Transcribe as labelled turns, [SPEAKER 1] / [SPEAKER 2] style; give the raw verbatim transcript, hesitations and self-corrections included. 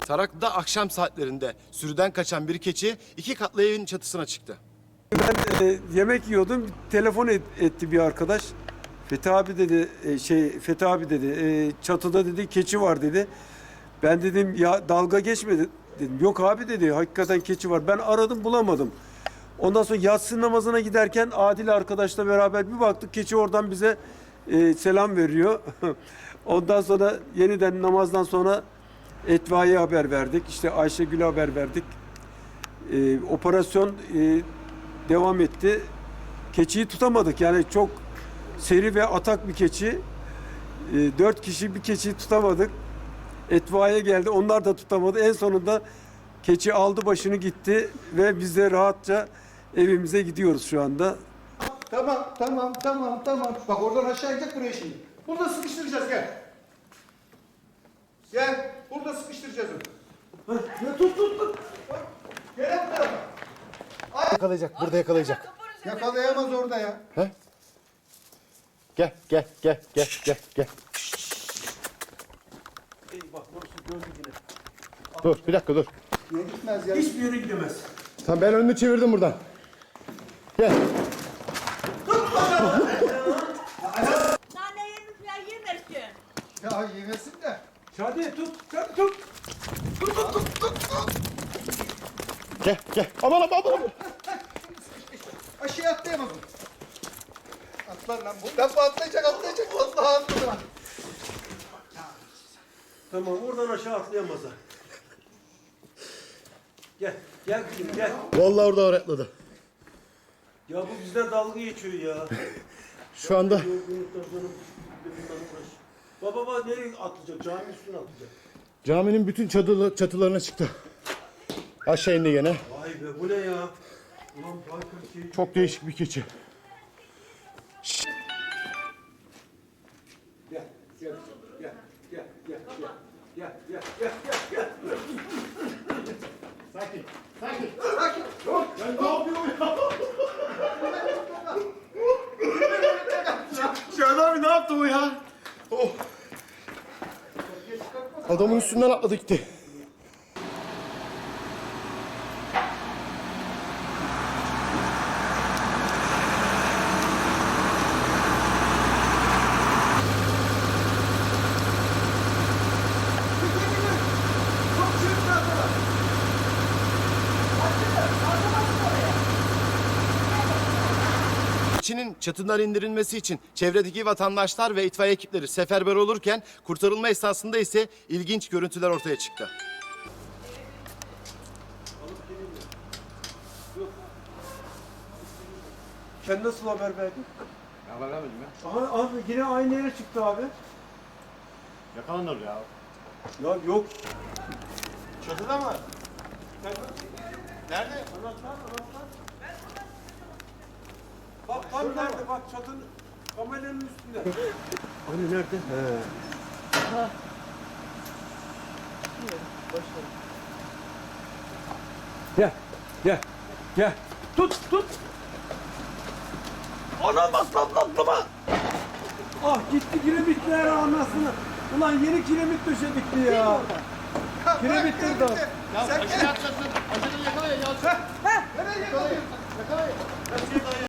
[SPEAKER 1] Taraklı'da akşam saatlerinde sürüden kaçan bir keçi iki katlı evin çatısına çıktı.
[SPEAKER 2] Ben e, yemek yiyordum. Telefon et, etti bir arkadaş. Fethi abi dedi e, şey Fethi abi dedi e, çatıda dedi keçi var dedi. Ben dedim ya dalga geçme dedim. Yok abi dedi hakikaten keçi var. Ben aradım bulamadım. Ondan sonra yatsı namazına giderken Adil arkadaşla beraber bir baktık keçi oradan bize e, selam veriyor. Ondan sonra yeniden namazdan sonra Etfaiye haber verdik. İşte Ayşegül'e haber verdik. E, operasyon e, devam etti. Keçiyi tutamadık. Yani çok seri ve atak bir keçi. E, dört kişi bir keçiyi tutamadık. Etfaiye geldi. Onlar da tutamadı. En sonunda keçi aldı başını gitti ve biz de rahatça evimize gidiyoruz şu anda.
[SPEAKER 3] Tamam, tamam, tamam, tamam. Bak oradan aşağı inecek buraya şimdi. Burada sıkıştıracağız, gel. Gel, burada sıkıştıracağız onu. Ya tut, tut, tut. Bak, gel bu tarafa.
[SPEAKER 1] Yakalayacak, burada yakalayacak.
[SPEAKER 3] Yakalayamaz orada ya.
[SPEAKER 1] He? Gel, gel, gel, gel, gel, gel.
[SPEAKER 2] Ey bak burası gördü yine.
[SPEAKER 1] Dur, bir dakika dur.
[SPEAKER 3] Niye gitmez ya?
[SPEAKER 2] Hiçbir yere gidemez.
[SPEAKER 1] Tamam, ben önünü çevirdim buradan. Gel.
[SPEAKER 4] Nane yemiş ya yemesin.
[SPEAKER 3] Ya yemesin de.
[SPEAKER 2] Şadi tut, Şadi tut.
[SPEAKER 1] Gel, gel. Aman aman aman.
[SPEAKER 3] Aşağıya atlayamaz o. Atlar lan bu. Lan bu atlayacak, atlayacak. Vallahi atlayacak.
[SPEAKER 2] Tamam oradan aşağı atlayamaz ha. Gel, gel kızım gel.
[SPEAKER 1] Vallahi orada öğretmedi.
[SPEAKER 2] Ya bu bizden dalga geçiyor ya.
[SPEAKER 1] Şu anda
[SPEAKER 2] Yorgunluktan sonra bundan uğraş. Baba baba nereye atlayacak? Caminin üstüne atlayacak.
[SPEAKER 1] caminin bütün çatılı, çatılarına çıktı. Aşağı indi gene.
[SPEAKER 2] Vay be bu ne ya? Ulan Baykar şey...
[SPEAKER 1] Çok değişik bir keçi.
[SPEAKER 2] Gel, gel, gel, gel, gel, gel, gel, gel, gel, gel, gel.
[SPEAKER 1] Sakin, sakin.
[SPEAKER 3] Sakin. Dur.
[SPEAKER 1] Ben ne yapıyorum ya? Şahane abi ne yaptı o ya? Oh. Adamın üstünden atladı gitti. Keçinin çatından indirilmesi için çevredeki vatandaşlar ve itfaiye ekipleri seferber olurken kurtarılma esnasında ise ilginç görüntüler ortaya çıktı.
[SPEAKER 2] Sen nasıl haber verdin?
[SPEAKER 5] Haber vermedim ya.
[SPEAKER 2] Aha, abi yine aynı yere çıktı abi.
[SPEAKER 5] Yakalanır ya.
[SPEAKER 2] Ya yok.
[SPEAKER 5] Çatıda mı? Nerede?
[SPEAKER 2] Anahtar, anahtar. Bak tam nerede? Bak çatının kameranın üstünde. Hani nerede? He. Gel, gel, gel. Tut, tut. Ana baslan atlama. Ah gitti kiremitler anasını. Ulan yeni kiremit döşedikti ya. Kiremitler de.
[SPEAKER 3] Sen gel.
[SPEAKER 5] Aşağı atlasın. Aşağıdan yakalayın ya.
[SPEAKER 3] Nereye yakalıyorsun?
[SPEAKER 5] Yakalayın.